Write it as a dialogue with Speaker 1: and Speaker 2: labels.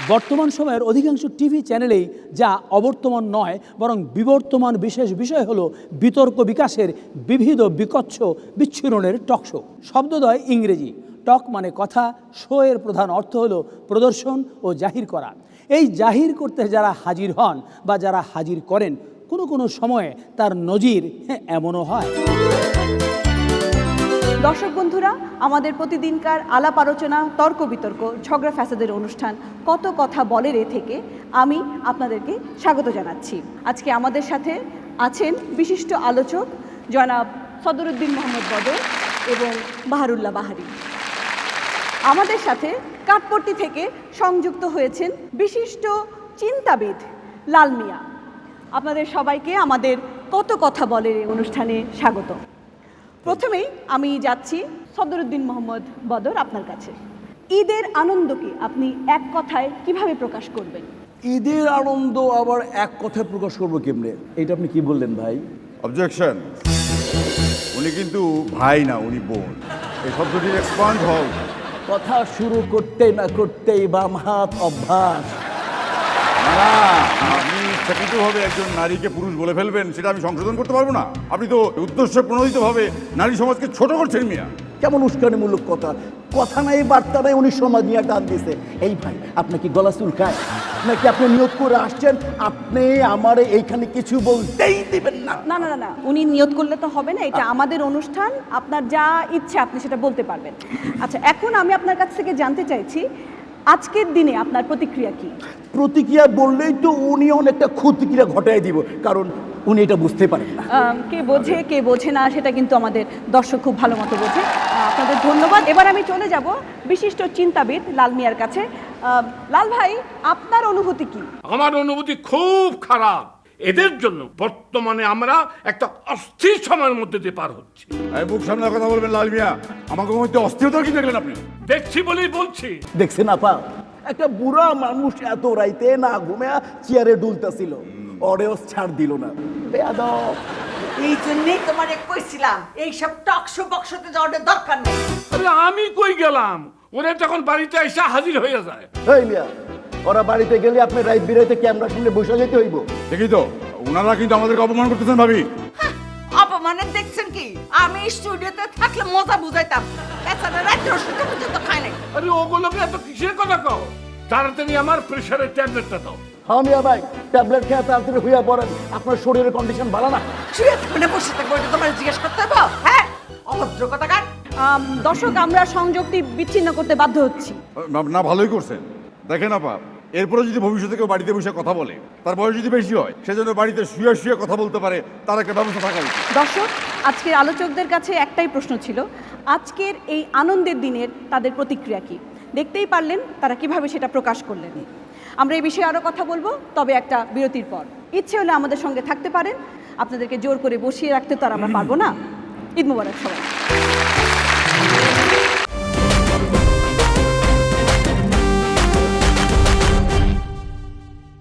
Speaker 1: বর্তমান সময়ের অধিকাংশ টিভি চ্যানেলেই যা অবর্তমান নয় বরং বিবর্তমান বিশেষ বিষয় হলো বিতর্ক বিকাশের বিবিধ বিকচ্ছ বিচ্ছুরণের টক শো। শব্দদ্বয় ইংরেজি, টক মানে কথা, শো এর প্রধান অর্থ হলো প্রদর্শন ও জাহির করা। এই জাহির করতে যারা হাজির হন বা যারা হাজির করেন, কোনো কোনো সময়ে তার নজির এমনও হয়।
Speaker 2: দর্শক বন্ধুরা, আমাদের প্রতিদিনকার আলাপ আলোচনা, তর্ক বিতর্ক, ঝগড়া ফ্যাসাদের অনুষ্ঠান কত কথা বলে রে থেকে আমি আপনাদেরকে স্বাগত জানাচ্ছি। আজকে আমাদের সাথে আছেন বিশিষ্ট আলোচক জনাব সদরুদ্দিন মোহাম্মদ বদর এবং বাহারুল্লাহ বাহারি। আমাদের সাথে কাঠপট্টি থেকে সংযুক্ত হয়েছেন বিশিষ্ট চিন্তাবিদ লাল মিয়া। আপনাদের সবাইকে আমাদের কত কথা বলে রে অনুষ্ঠানে স্বাগত। প্রথমেই আমি যাচ্ছি সদরুদ্দিন মোহাম্মদ বদর আপনার কাছে। ঈদের আনন্দকে আপনি এক কথায় কিভাবে প্রকাশ করবেন?
Speaker 3: ঈদের আনন্দ আবার এক কথায় প্রকাশ করবো কেমনে? এটা আপনি কি বললেন ভাই?
Speaker 4: অবজেকশন। উনি কিন্তু ভাই না, উনি বোন। এই শব্দটি এক্সপান্ড হও।
Speaker 3: কথা শুরু করতে না করতেই বাম হাত অভ্যাস।
Speaker 4: না, আপনি ইচ্ছাকৃতভাবে একজন নারীকে পুরুষ বলে ফেলবেন, সেটা আমি সংশোধন করতে পারবো না। আপনি তো উদ্দেশ্য প্রণোদিতভাবে নারী সমাজকে ছোট করছেন মিয়া।
Speaker 3: কেমন উস্কানিমূলক কথা! কথা নাই, বার্তা নাই, উনি সমাজ নিয়ে টান দিছে। এই ভাই, আপনি কি গলা চুলকায় নাকি? আপনি নিয়োগ করে আসছেন, আপনি আমার এইখানে কিছু বলতেই দিবেন না?
Speaker 2: না না না না, উনি নিয়ত করলে তো হবে না। এটা আমাদের অনুষ্ঠান, আপনার যা ইচ্ছে আপনি সেটা বলতে পারবেন। আচ্ছা, এখন আমি আপনার কাছ থেকে জানতে চাইছি, আজকের দিনে আপনার প্রতিক্রিয়া কি?
Speaker 3: প্রতিক্রিয়া বললেই তো উনি অনেকটা ক্ষতিক্রিয়া ঘটাই দিব, কারণ উনি এটা বুঝতে পারেন না।
Speaker 2: কে বোঝে কে বোঝে না সেটা কিন্তু আমাদের দর্শক খুব ভালো মতো বোঝে। আপনাদের ধন্যবাদ। এবার আমি চলে যাব বিশিষ্ট চিন্তাবিদ লাল মিয়ার কাছে। লাল ভাই, আপনার অনুভূতি কি?
Speaker 5: আমার অনুভূতি খুব খারাপ। এদের জন্য বর্তমানে আমরা একটা অস্থির সময়ের মধ্যে দিয়ে পার হচ্ছি।
Speaker 4: এই মুখ সামনে কথা বলবেন লাল মিয়া। আমাকে মধ্যে অস্থিরতা কি দেখলেন আপনি?
Speaker 5: দেখছি বলেই বলছি।
Speaker 3: দেখছেন আপা, একটা বুড়া মানুষ এত রাইতে না ঘুমে চেয়ারে ডুলতেছিল, অরেও ছাড় দিল না। বেয়াদব।
Speaker 6: এই জন্যই তোমারে কইছিলাম এইসব টকশো বক্সতে যাওয়ার দরকার নেই।
Speaker 5: আরে আমি কই গেলাম, ওরা তখন বাড়িতে এসে হাজির হয়ে যায়।
Speaker 3: এই মিয়া, ওরা বাড়িতে গেলে আপনি রাইত বিরাইতে ক্যামেরার সামনে বসে যেতে হইব।
Speaker 4: দেখি তো, ওনারা কিন্তু আমাদেরকে অপমান করতেছেন ভাবি।
Speaker 6: অপমানের দেখছেন কি? আমি স্টুডিওতে থাকলে মজা বুঝাইতাম। এছাড়া রাত্রে ওষুধ পর্যন্ত খায় নাই।
Speaker 5: আরে ওগুলোকে এত কিসের কথা কও? তাড়াতাড়ি আমার প্রেশারের ট্যাবলেটটা দাও।
Speaker 3: হ্যাঁ মিয়া ভাই, ট্যাবলেট খেয়ে তাড়াতাড়ি হইয়া পড়েন, আপনার শরীরের কন্ডিশন ভালো না।
Speaker 6: শুয়ে থাকবে বসে থাকবো, এটা তোমার জিজ্ঞেস করতে হবে? হ্যাঁ, অভদ্র কথাকার।
Speaker 2: দর্শক, আমরা সংযোগটি বিচ্ছিন্ন করতে বাধ্য হচ্ছি।
Speaker 4: না, ভালোই করছেন। দেখেন আপা, এরপরে যদি ভবিষ্যতে কেউ বাড়িতে বসে কথা বলে, তার বয়স যদি বেশি হয়, সেজন্য বাড়িতে শুয়ে শুয়ে কথা বলতে পারে, তার একটা ব্যবস্থা থাকা উচিত।
Speaker 2: দর্শক, আজকের আলোচকদের কাছে একটাই প্রশ্ন ছিল, আজকের এই আনন্দের দিনের তাদের প্রতিক্রিয়া কি? দেখতেই পারলেন তারা কিভাবে সেটা প্রকাশ করলেন। আমরা এই বিষয়ে আরও কথা বলবো, তবে একটা বিরতির পর। ইচ্ছে হলে আমাদের সঙ্গে থাকতে পারেন, আপনাদেরকে জোর করে বসিয়ে রাখতে তো আর আমরা পারবো না। ঈদ মোবারক সবাই।